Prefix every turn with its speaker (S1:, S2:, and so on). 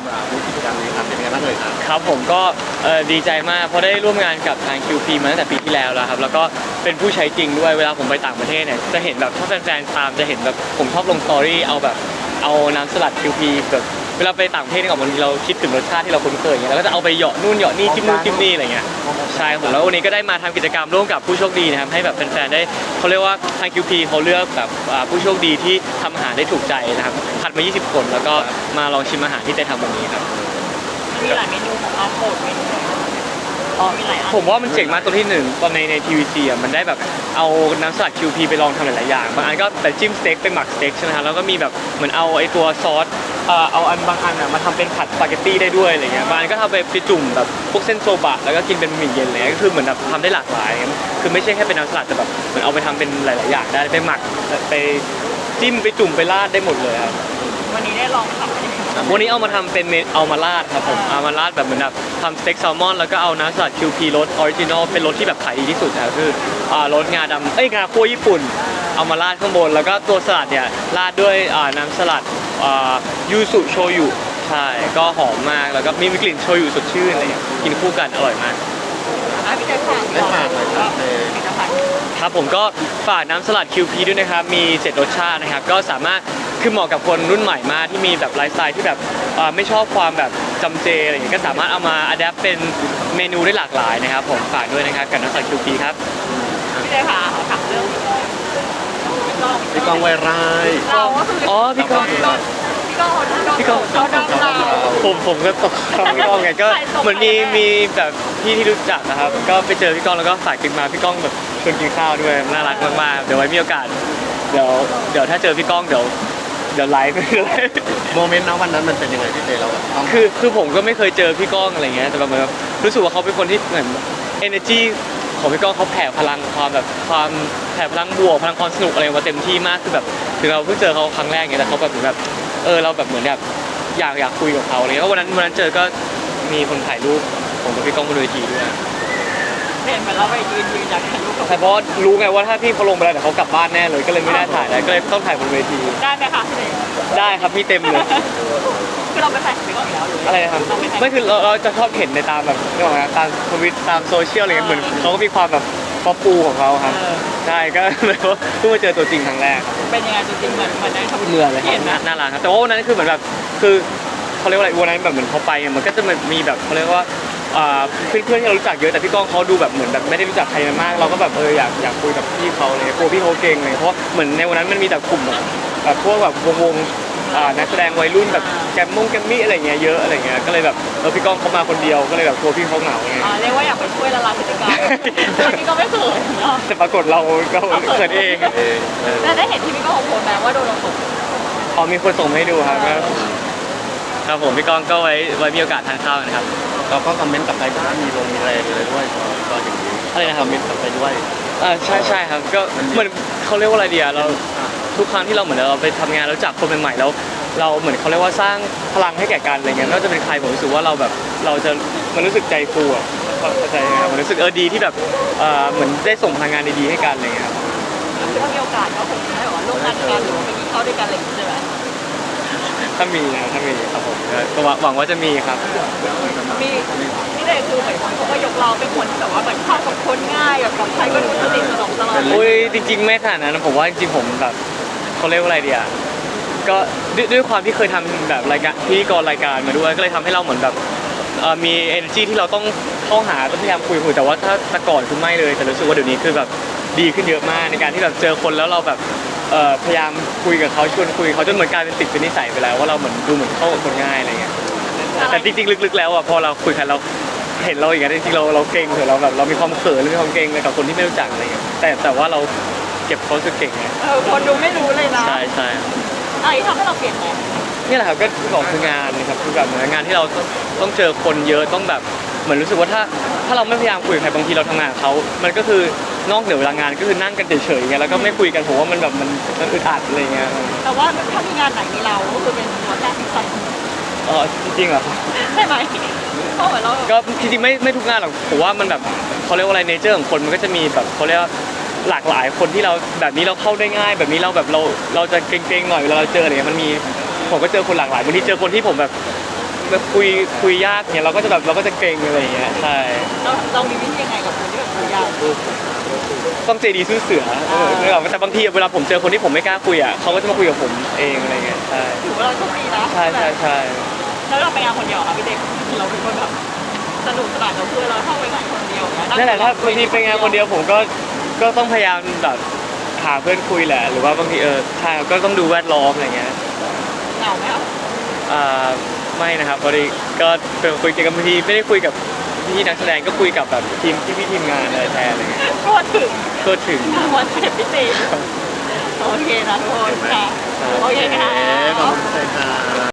S1: รู้กิจกรรมนี้ครับเป็นยังไงบ้างเลยครับ
S2: ครับผมก็ดีใจมากเพราะได้ร่วมงานกับทาง QP มาตั้งแต่ปีที่แล้วแล้วครับแล้วก็เป็นผู้ใช้จริงด้วยเวลาผมไปต่างประเทศเนี่ยจะเห็นแบบถ้าแฟนๆตามจะเห็นแบบผมชอบลงสตอรี่เอาน้ำสลัด QP แบบเวลาไปต่างประเทศเนี่ยบางทีเราคิดถึงรสชาติที่เราคุ้นเคยอย่างเงี้ยแล้วก็จะเอาไปเหยาะนู่นเหยาะนี่จิ้มนู่นจิ้มนี่อะไรเงี้ยใช่ผมแล้ววันนี้ก็ได้มาทำกิจกรรมร่วมกับผู้โชคดีนะครับให้แบบแฟนๆได้เขาเรียกว่าทาง QP เขาเลือกแบบผู้โชคดีที่ทำอาหารได้ถูกใจนะครับคัดมา20คนแล้วก็มาลองชิมอาหารที่ได้ทำวันนี้ครับ
S3: มีหลายเมนูของเราโปรดเมนูมีหลายอัน
S2: ผมว่ามันเจ๋งมากตัวที่หนึ่งตอนในทีวีซีอ่ะมันได้แบบเอาน้ำสลัด QP ไปลองทำหลายๆอย่างบางอันก็แบบจิ้มสเต็กเป็นหมักสเต็กใช่ไหมครับแล้วก็มีแบบเหมือนเอาไอ้ตัวซอสเอาอันบางอันอ่ะมาทำเป็นผัดสปาเกตตี้ได้ด้วยอะไรเงี้ยบางอันก็ทำไปจุ่มแบบพวกเส้นโซบะแล้วก็กินเป็นบะหมี่เย็นอะไรเงี้ยก็คือเหมือนแบบทำได้หลากหลายคือไม่ใช่แค่เป็นน้ำสลัดแต่แบบเหมือนเอาไปทำเป็นหลายๆอย่างได้ไปหมักไปจิ้มไปจุ่มไปราดได้หมดเลยครับ
S3: วันนี้ได้ลองทำอะไร
S2: วันนี้เอามาทำเป็นเอามาราดครับผมเอามาราดแบบเหมือนแบบทำสเต็กแซลมอนแล้วก็เอาน้ำสลัด QP รสออริจินอลเป็นรสที่แบบขายดีที่สุดนะคือรสงาดำงาคั่วญี่ปุ่นเอามาราดข้างบนแล้วก็ตัวสลัดเนี่ยราดด้วยน้ำสลัดยูสุโชยุใช่ก็หอมมากแล้วก็มีกลิ่นโชยุสดชื่นอะไรอย่างเงี้ยกินคู่กันอร่อยมาก
S3: พี่จะฝาก
S1: ได้ฝากเลยครับ
S2: ครับผมก็ฝากน้ำสลัด QP ด้วยนะครับมี7รสชาตินะครับก็สามารถคือเหมาะกับคนรุ่นใหม่มากที่มีแบบไลฟ์สไตล์ที่แบบไม่ชอบความแบบจำเจอะไรอย่างเงี้ยก็สามารถเอามาอัดแอปเป็นเมนูได้หลากหลายนะครับผมฝากด้วยนะครับกับน้ำสลัด QP ครับ
S3: พี่จะถามเรื่อง
S1: พี่กองไวไร่
S3: เราก็คือ
S2: พี่ก้อง
S3: เขาดังเรา
S2: ผมก็ตกคำพี่ก้องไงก็เหมือนมีแบบพี่ที่รู้จักนะครับก็ไปเจอพี่ก้องแล้วก็ฝากกินมาพี่ก้องแบบชวนกินข้าวด้วยน่ารักมากๆเดี๋ยวไว้มีโอกาสเดี๋ยวถ้าเจอพี่ก้องเดี๋ยวไลฟ์
S1: โมเมนต์นะวันนั้นมันเป็นยังไงพี่เจเราแบบ
S2: คือผมก็ไม่เคยเจอพี่ก้องอะไรเงี้ยแต่แบบรู้สึกว่าเขาเป็นคนที่เหมือน energy ของพี่ก้องเขาแผ่พลังความแผ่พลังบวกพลังความสนุกอะไรมาเต็มที่มากคือแบบถึงเราเพิ่งเจอเขาครั้งแรกเงี้ยแต่เขาแบบเหมือนแบบเราแบบเหมือนแบบอยากคุยกับเขาอะไรเงี้ยวันนั้นเจอก็มีคนถ่ายรูปผมกับพี่ก้องบนเวทีด้วย
S3: เห็นเหมือนเราไปยืนอยากถ่ายรูปกับ
S2: แต่เพราะรู้ไงว่าถ้าพี่เขาลงไปแล้วเดี๋ยวเขากลับบ้านแน่เลยก็เลยไม่ได้ถ่ายแล้วก็เลยต้องถ่ายบนเวที
S3: ได้ไหมคะ
S2: ได้ครับมีเต็มเลย
S3: คือเราไปถ่ายไปก่อนแล้ว
S2: อะไรนะครับไม่คือเราจะชอบเห็นในตามแบบนี่หรอตามทวิตตามโซเชียลอะไรเงี้ยเหมือนเขาก็มีความแบบป๊อปปูของเขาครับใช่ก็เลยว่าเพิ่งมาเจอตัวจริงครั้งแรก
S3: เป็นยังไงตัวจริงเหมือนในทวิต
S2: เมื่อเลยครับน่ารักครับแต่ว่าวันนั้นคือเหมือนแบบคือเขาเรียกว่าอะไรวันนั้นแบบเหมือนเขาไปมันก็จะมีแบบเขาเรียกว่าเพื่อนที่เรารู้จักเยอะแต่พี่ก้องเขาดูแบบเหมือนแบบไม่ได้รู้จักใครมากเราก็แบบอยากคุยกับพี่เขาเลยกลัวพี่เขาเก่งเลยเพราะเหมือนในวันนั้นมันมีแต่กลุ่มแบบพวกแบบวงนักแสดงวัยรุ่นแบบแกมมี่อะไรเงี้ยเยอะอะไรเงี้ยก็เลยแบบพี่ก้องเขามาคนเดียวก็เลยแบบกลัวพี่เขาเหงาไง
S3: เรียกว่าอยากไปช่วยละลายพฤติกรรมพี่ก็ไม่เขินเนาะ
S2: แต่ปรากฏเราก็เขินเอง
S3: แล้วได้เห็นที่พี่ก้องโพสต์ไหมว่าโดนเราตก
S2: มีคนส่งให้ดูครับผมพี่ก้องก็ไว้มีโอกาสทานข้าวนะครับ
S1: เราก็คอมเมนต์กับใครบ้างมีแรงเลยด้วยก็อย่างนี้
S2: อะไรนะค
S1: อมเมนต์กับใครด้วย
S2: ใช่ครับก็เหมือนเขาเรียกว่าอะไรเดียเราทุกครั้งที่เราเหมือนเราไปทำงานแล้วจากคนใหม่ๆแล้วเราเหมือนเขาเรียกว่าสร้างพลังให้แก่กันอะไรเงี้ยไม่ว่าจะเป็นใครผมรู้สึกว่าเราแบบเราจะมันรู้สึกใจฟูอ่ะเข้าใจไหมครับมันรู้สึกดีที่แบบเหมือนได้ส่งพลังงานดีๆให้กันอะไรเงี้ยครับ
S3: ถ้ามีโอกาสก็คงได้ร่วมงานกันหรือไปกินข้าวด้วยกันอะไรอย่างเงี้ยใช่ไหม
S2: ถ้ามีครับผมก็หวังว่าจะมีครับ
S3: มีนี่เลยคือเหมือนเขาก็ยกเราเป็นคนที่แบบว่าเหมือนเข้ากับคนง่ายกับใครก็ดูสนิทสนมตลอด
S2: จริงๆไม่ขนาดนั้นผมว่าจริงๆผมแบบเขาเรียกว่าอะไรเดียก็ด้วยความที่เคยทำแบบรายการพิธีกรรายการมาด้วยก็เลยทำให้เราเหมือนแบบมี energy ที่เราต้องเข้าหาต้องพยายามคุยแต่ว่าถ้าแต่ก่อนคือไม่เลยแต่รู้สึกว่าเดี๋ยวนี้คือแบบดีขึ้นเยอะมากในการที่แบบเจอคนแล้วเราแบบพยายามคุยกับเขาชวนคุยเขาจนเหมือนกลายเป็นติดเป็นนิสัยไปแล้วว่าเราเหมือนดูเหมือนเข้ากับคนง่ายอะไรเงี้ยแต่จริงๆลึกๆแล้วอ่ะพอเราคุยกันเราเห็นเราอย่างเงี้ยจริงๆเราเก่งเถอะเราแบบเรามีความเขินหรือมีความเก่งเลยกับคนที่ไม่รู้จักอะไรเงี้ยแต่ว่าเราเก็บเขาสึกเก่งไง
S3: คนดูไม่รู้เลยนะ
S2: ใช่
S3: อะไรที่ทำให้เราเปลี่ยนแปลง
S2: นี่แหละครับก็บอกคืองานนะครับคือแบบงานที่เราต้องเจอคนเยอะต้องแบบเหมือนรู้สึกว่าถ้าเราไม่พยายามคุยกับใครบางทีเราทำงานกับเขามันก็คือนอกเหนือเวลางานก็คือนั่งกันเฉยๆไงแล้วก็ไม่คุยกันผมว่ามันแบบมันอึดอัดอะไรเงี้ย
S3: แต่ว่าถ้ามีงานไหนมีเราก็คือเป็นตัวแทนที่ใส่
S2: จริงๆเหรอ
S3: ใช่ไหมเพราะเหมือนเรา
S2: ก็จริงๆไม่ทุกงานหรอกผมว่ามันแบบเขาเรียกว่าอะไรเนเจอร์ของคนมันก็จะมีแบบเขาเรียกว่าหลากหลายคนที่เราแบบนี้เราเข้าได้ง่ายแบบนี้เราแบบเราจะเกรงๆหน่อยเวลาเราเจออะไรเงี้ยมันมีผมก็เจอคนหลากหลายบางทีเจอคนที่ผมแบบคุยยากเนี่ยเราก็จะเกรงอะไรอย่างเงี้ยใช่
S3: เรามีวิธียังไงกับคนที่แบบคุยยาก
S2: ต้องใจดีสู้เสือแต่บางทีเวลาผมเจอคนที่ผมไม่กล้าคุยอ่ะเขาก็จะมาคุยกับผมเองอะไรเงี้ยใช่
S3: ถือว่าเราโชคดีนะ
S2: ใช่
S3: แล้วเราไปงานคนเดียวค่ะพี่เด็กเราเป็นคนแบบสนุกสนานกับเพื่อนเราเข้าไปงานคนเดียวนะ
S2: นั่นแหละถ้าบางทีไปงานคนเดียวผมก็ต้องพยายามแบบหาเพื่อนคุยแหละหรือว่าบางทีใช่ก็ต้องดูแวดล้อมอะไรเงี้ย
S3: เหงาไหมครับ
S2: อ่าไม่นะครับพอดีก็คุยกับบางทีไม่ได้คุยกับพี่นักแสดงก็คุยกับแบบพี่ทีมงานอะไรแทนอะไรเงี้ย
S3: ก็ถึง
S2: ก็ถึง
S3: วันเสร็จพิเศษโอเคนะทุกคนค่ะโอเคค่ะ
S1: ขอบคุณค่ะ